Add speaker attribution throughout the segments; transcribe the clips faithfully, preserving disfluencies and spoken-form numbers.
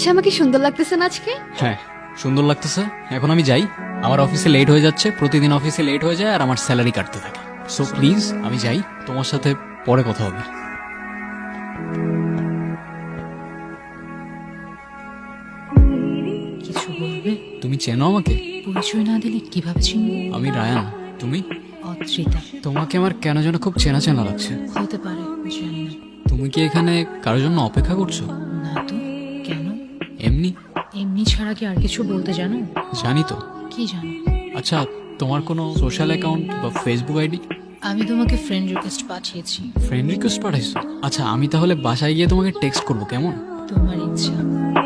Speaker 1: আচ্ছা আমাকে সুন্দর লাগতেছে না আজকে?
Speaker 2: হ্যাঁ সুন্দর লাগতেছে। এখন আমি যাই, আমার অফিসে লেট হয়ে যাচ্ছে, প্রতিদিন অফিসে লেট হয়ে যায় আর আমার স্যালারি কাটতে থাকে। সো প্লিজ আমি যাই, তোমার সাথে পরে কথা হবে।
Speaker 3: কিছু বলবে?
Speaker 2: তুমি চেনো আমাকে?
Speaker 3: পরিচয় না দিলে কিভাবে চিনবো?
Speaker 2: আমি রায়ান, তুমি?
Speaker 3: অদ্রিতা।
Speaker 2: তোমাকে আমার কেন যেন খুব চেনা চেনা লাগছে।
Speaker 3: হতে পারে, জানি না।
Speaker 2: তুমি কি এখানে কারোর জন্য অপেক্ষা করছো?
Speaker 3: না তো, কেন?
Speaker 2: এমনি।
Speaker 3: এমনি ছাড়া কি আর কিছু বলতে জানো?
Speaker 2: জানি তো।
Speaker 3: কি জানো?
Speaker 2: আচ্ছা তোমার কোনো সোশ্যাল অ্যাকাউন্ট বা ফেসবুক আইডি?
Speaker 3: আমি তোমাকে ফ্রেন্ড রিকোয়েস্ট পাঠিয়েছি।
Speaker 2: ফ্রেন্ড রিকোয়েস্ট পাঠাইছো? আচ্ছা আমি তাহলে বাসায় গিয়ে তোমাকে টেক্সট করবো, কেমন?
Speaker 3: তোমার ইচ্ছা।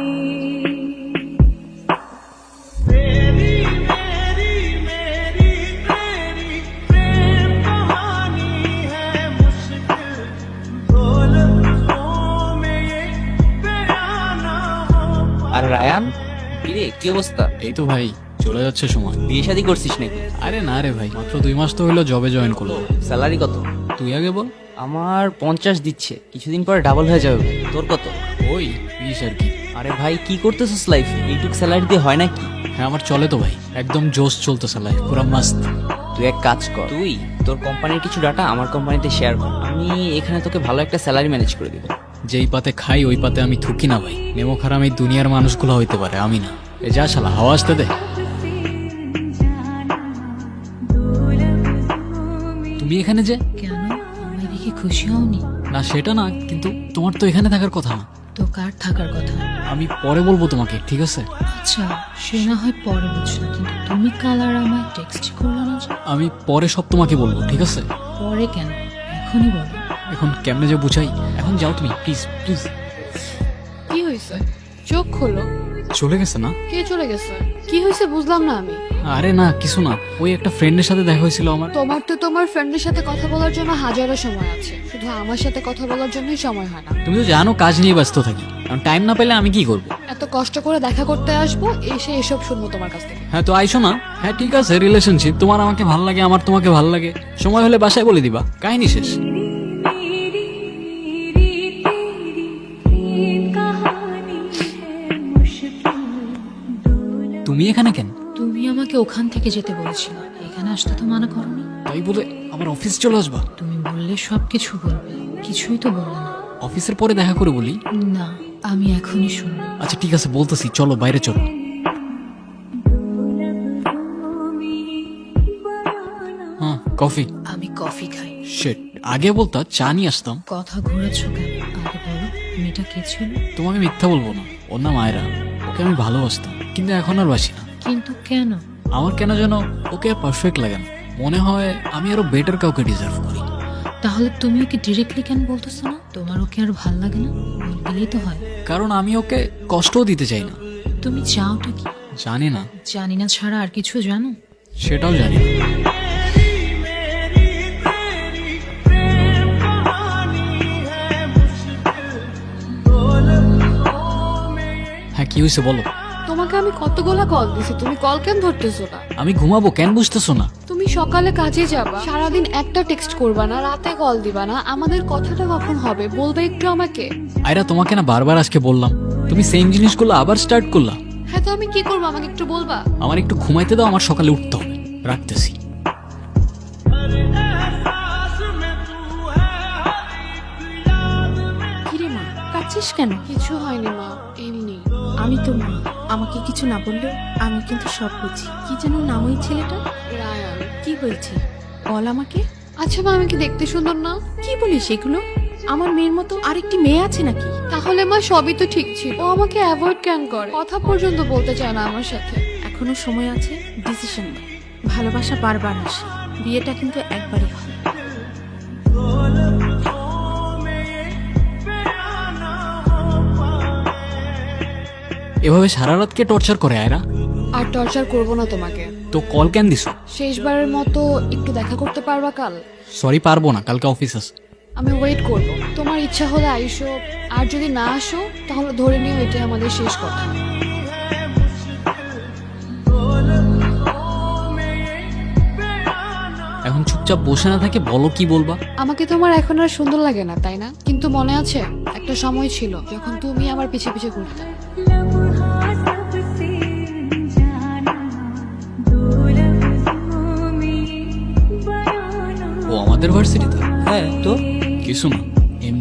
Speaker 4: আর রায়ান, কিরে কি অবস্থা?
Speaker 2: এই তো ভাই চলে যাচ্ছে সময়।
Speaker 4: বিয়ে শাদী করছিস নাকি?
Speaker 2: আরে না রে ভাই, মাত্র দুই মাস তো হইলো জবে জয়েন করলো।
Speaker 4: স্যালারি কত?
Speaker 2: তুই আগে বল।
Speaker 4: আমার পঞ্চাশ দিচ্ছে, কিছুদিন পরে ডাবল হয়ে যাবে ভাই। তোর কত?
Speaker 2: ওই বিশ আর কি।
Speaker 4: আরে ভাই কি করতেছিস লাইফে? এইটুক স্যালারি দিয়ে হয় নাকি?
Speaker 2: হ্যাঁ আমার চলে তো ভাই, একদম জোশ চলতেছে লাইফ, পুরো মাস্ত।
Speaker 4: তুই এক কাজ কর, তুই তোর কোম্পানির কিছু ডাটা আমার কোম্পানিতে শেয়ার কর, আমি এখানে তোকে ভালো একটা স্যালারি ম্যানেজ করে দিব।
Speaker 2: যেই পাতে খাই ওই পাতে আমি থুকি না ভাই। নেমো খারাপ এই দুনিয়ার মানুষগুলো হইতে পারে, আমি না। এ যা শালা, হাওয়া আসতে দে। তুমি এখানে যে?
Speaker 3: কেন, আমায় দেখে খুশি হওনি?
Speaker 2: না সেটা না, কিন্তু তোমার তো এখানে থাকার কথা না।
Speaker 3: তো কার থাকার কথা?
Speaker 2: আমি পরে বলবো তোমাকে, ঠিক আছে?
Speaker 3: আচ্ছা সে না হয় পরে বুঝলাম, কিন্তু তুমি কাল আর আমায় টেক্সট করলো না যে?
Speaker 2: আমি পরে সব তোমাকে বলবো, ঠিক আছে?
Speaker 3: পরে কেন, এখনই বলো।
Speaker 2: এখন কেমনে যে বুঝাই। এখন যাও তুমি, প্লিজ প্লিজ।
Speaker 1: কি হয়েছে? চোখ খোলো।
Speaker 2: চলে গেছে না?
Speaker 1: কে চলে গেছে? কি হয়েছে বুঝলাম না আমি।
Speaker 2: আরে না কিছু না, ওই একটা ফ্রেন্ডের সাথে দেখা হয়েছিল আমার।
Speaker 1: তোমার তো তোমার ফ্রেন্ডের সাথে কথা বলার জন্য হাজারো সময় আছে, শুধু আমার সাথে কথা বলার জন্যই সময় হয় না।
Speaker 2: তুমি তো জানো কাজ নিয়ে ব্যস্ত থাকি, কারণ টাইম না পেলে আমি কি করব?
Speaker 1: এত কষ্ট করে দেখা করতে আসবো, এসে এসব শুনবো তোমার কাছ থেকে।
Speaker 2: হ্যাঁ তো আইসো না। হ্যাঁ ঠিক আছে, রিলেশনশিপ, তোমার আমাকে ভাল লাগে, আমার তোমাকে ভাল লাগে, সময় হলে বাসায় বলে দিবা, কাহিনী শেষ। তুমি এখানে কেন?
Speaker 3: তুমি আমাকে ওখান থেকে যেতে বলেছিলে, এখানে আসতে তো মানা করনি।
Speaker 2: তাই বলে আমার অফিস চলে আসবা?
Speaker 3: তুমি বললে সব কিছু বলবে, কিছুই তো বললে না।
Speaker 2: অফিসের পরে দেখা করে বলি।
Speaker 3: না, আমি এখনই শুনবো।
Speaker 2: আচ্ছা ঠিক আছে বলতেছি, চলো বাইরে চলো। হ্যাঁ কফি।
Speaker 3: আমি কফি খাই।
Speaker 2: শিট, আগে বলতা চা নিয়ে আসতাম।
Speaker 3: কথা ঘোরাচ্ছ কেন, আগে বলো মেয়েটা কে ছিল?
Speaker 2: তোমাকে মিথ্যা বলবো না, ওর নাম আয়রা। ওকে আমি ভালোবাসতাম, কিন্তু এখন আর বাসি না।
Speaker 3: কিন্তু কেন?
Speaker 2: আমার কেন যেন ওকে পারফেক্ট লাগে না, মনে হয় আমি আরো বেটার কাউকে ডিজার্ভ করি।
Speaker 3: তাহলে তুমি ওকে ডিরেক্টলি কেন বলতেছো না? তোমার ওকে আর ভাল লাগে না? বললেই তো হয়।
Speaker 2: কারণ আমি ওকে কষ্টও দিতে চাই না।
Speaker 3: তুমি চাওটা কি?
Speaker 2: জানি না।
Speaker 3: জানি না ছাড়া আর কিছু জানো?
Speaker 2: সেটাও জানি না। হ্যাঁ কি হয়েছে বলো।
Speaker 1: তোমাকে আমি কতগুলা কল দিছি, তুমি কল কেন ধরতেছো না?
Speaker 2: আমি ঘুমাবো, কেন বুঝতেছো না?
Speaker 1: তুমি সকালে কাজে যাবা, সারাদিন একটা টেক্সট করবা না, রাতে কল দিবা না, আমাদের কথাটা কখন হবে বলবে একটু আমাকে।
Speaker 2: আয়রা তোমাকে না বারবার আজকে বললাম, তুমি সেম জিনিসগুলো আবার স্টার্ট করলা।
Speaker 1: হ্যাঁ তো আমি কি করবো, আমাকে একটু বলবা?
Speaker 2: আমার একটু ঘুমাইতে দাও, আমার সকালে উঠতে হবে। রাখতেছি।
Speaker 5: কিরে মা, কাঁদছিস কেন?
Speaker 1: কিছু হয়নি মা, এমনি।
Speaker 5: আমি তো মা, আমাকে কিছু না বললেও আমি কিন্তু সব বুঝি। কি যেন নাম ওই ছেলেটা?
Speaker 1: রায়ান।
Speaker 5: কি হয়েছে বল আমাকে।
Speaker 1: আচ্ছা মা, আমি কি দেখতে সুন্দর না?
Speaker 5: কি বলিস এগুলো? আমার মেয়ের মতো আরেকটি মেয়ে আছে নাকি?
Speaker 1: তাহলে মা সবই তো ঠিক ছিল, ও আমাকে অ্যাভয়েড কেন করে, কথা পর্যন্ত বলতে চায় না আমার সাথে।
Speaker 5: এখনো সময় আছে, ডিসিশন নে। ভালোবাসা বারবার আসে, বিয়েটা কিন্তু একবারই হয়।
Speaker 2: এভাবে সারা রাত কে টর্চার করে আয়রা?
Speaker 1: আর টর্চার করবো না তোমাকে।
Speaker 2: তো কল কেন দিছো?
Speaker 1: শেষবারের মতো একটু দেখা করতে পারবা কাল?
Speaker 2: সরি পারবো না, কালকে অফিস আছে।
Speaker 1: আমি ওয়েট করব, তোমার ইচ্ছা হলে আইসো, আর যদি না আসো তাহলে ধরে নিও এটাই আমাদের শেষ কথা।
Speaker 2: এখন চুপচাপ বসে না থাকে, বলো কি বলবা।
Speaker 1: আমাকে তোমার এখন আর সুন্দর লাগে না তাই না? কিন্তু মনে আছে একটা সময় ছিল যখন তুমি আমার পিছে পিছে ঘুরতে।
Speaker 2: আমাদের ভার্সিটিতে?
Speaker 4: হ্যাঁ তো
Speaker 2: কিছু না, এমনি।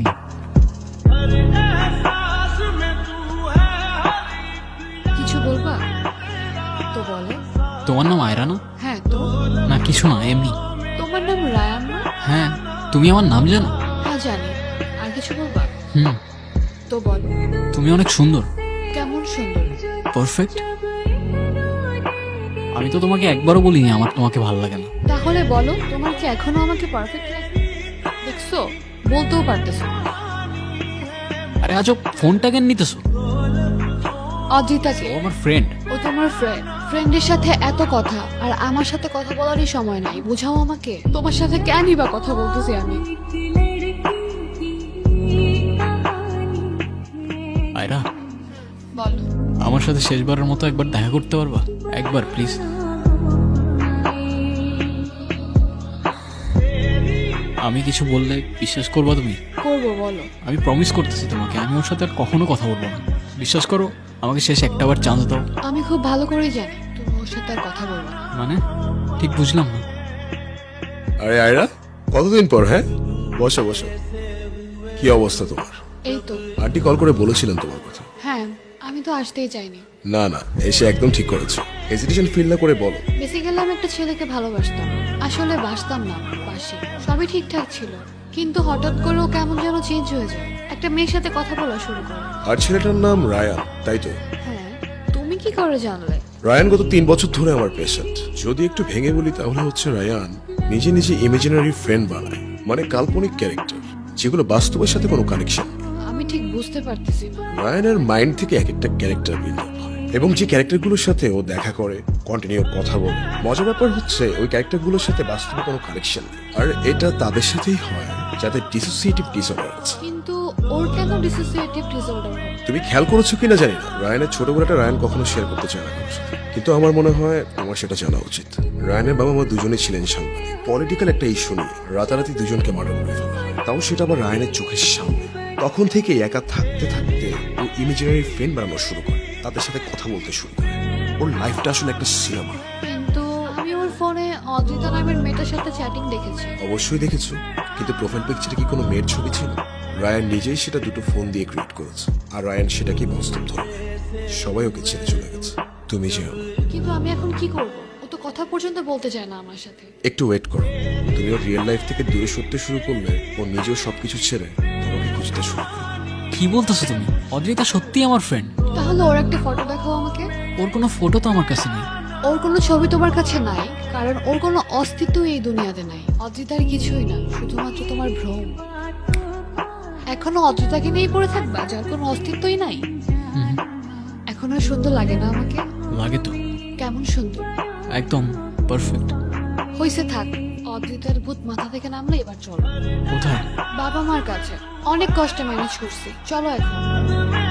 Speaker 1: কিছু বলবা তো বলো।
Speaker 2: তোমার নাম আয়রা না?
Speaker 1: হ্যাঁ তো।
Speaker 2: না কিছু না, এমনি।
Speaker 1: তোমার নাম রায়ান না?
Speaker 2: হ্যাঁ, তুমি আমার নাম জানো?
Speaker 1: হ্যাঁ জানি। আর কিছু বলবা
Speaker 2: হুম,
Speaker 1: তো বলো।
Speaker 2: তুমি অনেক সুন্দর।
Speaker 1: কেমন সুন্দর?
Speaker 2: পারফেক্ট। আমি তো তোমাকে একবারও বলিনি আমার তোমাকে ভালো লাগে না।
Speaker 1: তাহলে বলো, তোমার কি এখনো আমাকে পারফেক্ট লাগে? দেখছো, বলতেও পারতেছো না।
Speaker 2: আরে আজব, ফোনটা কেন নিতেছো?
Speaker 1: অদ্রিতাকে।
Speaker 2: ও আমার ফ্রেন্ড।
Speaker 1: ও তোমার ফ্রেন্ড। ফ্রেন্ডের সাথে এত কথা আর আমার সাথে কথা বলারই সময় নাই, বুঝাও আমাকে। তোমার সাথে কেনই বা কথা বলতেছি আমি?
Speaker 2: আয়রা,
Speaker 1: বলো।
Speaker 2: আমার সাথে শেষবারের মতো একবার দেখা করতে পারবা? একবার প্লিজ। আমি কিছু বললে বিশ্বাস করবা তুমি?
Speaker 1: করবো, বলো।
Speaker 2: আমি প্রমিস করতেছি তোমাকে, আমি ওর সাথে আর কখনো কথা বলবো না। বিশ্বাস করো, আমাকে শেষ একটাবার চান্স দাও।
Speaker 1: আমি খুব ভালো করেই জানি তুমি ওর সাথে আর কথা বলবো না।
Speaker 2: মানে ঠিক বুঝলাম না।
Speaker 6: আরে আয়রা, কতদিন পর? হ্যাঁ, বসো বসো। কি অবস্থা তোমার?
Speaker 1: এই তো।
Speaker 6: আন্টি কল করে বলেছিলেন তোমার কথা।
Speaker 1: হ্যাঁ, আমি তো আসতেই চাইনি।
Speaker 6: না না, এসে একদম ঠিক করেছো। হেজিটেশন ফিল না করে বলো।
Speaker 1: বেসিক্যালি আমি একটা ছেলেকে ভালোবাসতাম। আসলে বাসতাম না, বাসি। সবই ঠিকঠাক ছিল, কিন্তু হঠাৎ করে ও কেমন যেন চেঞ্জ হয়ে যায়। একটা মেয়ের সাথে কথা বলা শুরু করে।
Speaker 6: আর ছেলেটার নাম রায়ান, তাই তো?
Speaker 1: হ্যাঁ। তুমি কি করে জানলে?
Speaker 6: রায়ান গত তিন বছর ধরে আমার পেশেন্ট। যদি একটু ভেঙে বলি তাহলে হচ্ছে রায়ান নিজে নিজে ইমাজিনারি ফ্রেন্ড বানায়, মানে কাল্পনিক ক্যারেক্টার, যেগুলো বাস্তবের সাথে কোনো কানেকশন।
Speaker 1: আমি ঠিক বুঝতে পারতেছি না।
Speaker 6: রায়ানের মাইন্ড থেকে এক একটা ক্যারেক্টার বিল্ড আপ হয়, এবং যে ক্যারেক্টারগুলোর সাথে ও দেখা করে, কন্টিনিউ কথা বলে, মজার ব্যাপার হচ্ছে ওই ক্যারেক্টারগুলোর সাথে বাস্তবে কোনো কানেকশন নেই। আর এটা তাদের সাথেই হয় যাদের ডিসোসিয়েটিভ ডিসঅর্ডার আছে।
Speaker 1: কিন্তু ওর কেন ডিসোসিয়েটিভ ডিসঅর্ডার হবে?
Speaker 6: তুমি খেয়াল করেছো কিনা জানি না, রায়ানের ছোটবেলাটা রায়ান কখনো শেয়ার করতে চায় না কারোর সাথে। কিন্তু আমার মনে হয় আমার সেটা জানা উচিত। রায়ানের বাবা মা দুজনেই ছিলেন সাংবাদিক। পলিটিক্যাল একটা ইস্যু নিয়ে রাতারাতি দুজনকে মার্ডার করে ফেলা হয়, তাও সেটা আবার রায়ানের চোখের সামনে। তখন থেকে একা থাকতে থাকতে ও ইমেজিনারি ফ্রেন্ড বানানো শুরু করে, তাদের সাথে কথা বলতে শুরু করে। ওর লাইফটা আসলে একটা সিনেমা।
Speaker 1: কিন্তু আমি ওর ফোনে অদ্রিতা নামের মেয়েটার সাথে চ্যাটিং দেখেছি।
Speaker 6: অবশ্যই দেখেছো, কিন্তু প্রোফাইল পিকচারে কি কোনো মেয়ের ছবি ছিল? রায়ান নিজেই সেটা দুটো ফোন দিয়ে ক্রিয়েট করেছে, আর রায়ান সেটাকে বাস্তব ধরে নেয়। সবাই ওকে ছেড়ে চলে গেছে, তুমি যেও না।
Speaker 1: কিন্তু আমি এখন কি করব? ও তো কথা পর্যন্ত বলতে চায় না আমার সাথে।
Speaker 6: একটু ওয়েট করো, তুমি ওর রিয়েল লাইফ থেকে দূরে সরতে শুরু করলে ও নিজেও সবকিছু ছেড়ে তোমাকে খুঁজতে শুরু করবে।
Speaker 2: কি বলতেছো তুমি? অদ্রিতা সত্যি আমার ফ্রেন্ড।
Speaker 1: তাহলে ওর একটা ফটো দেখাও আমাকে।
Speaker 2: ওর কোনো ফটো তো আমার কাছে নেই।
Speaker 1: ওর কোনো ছবি তোমার কাছে নাই, কারণ ওর কোনো অস্তিত্ব এই দুনিয়াতে নাই। অদ্রিতার কিছুই না, শুধুমাত্র তোমার ভ্রম। এখনো অদ্রিতাকে নিয়েই পড়ে থাকবা, যার কোনো অস্তিত্বই নাই।
Speaker 2: হুম,
Speaker 1: এখন আর সুন্দর লাগে না আমাকে?
Speaker 2: লাগে তো।
Speaker 1: কেমন সুন্দর?
Speaker 2: একদম পারফেক্ট।
Speaker 1: হইছে, থাক। অদ্রিতার ভূত মাথা থেকে নামলে এবার চলো
Speaker 2: কোথায়?
Speaker 1: বাবা মার কাছে। অনেক কষ্টে ম্যানেজ করছি, চলো এখন।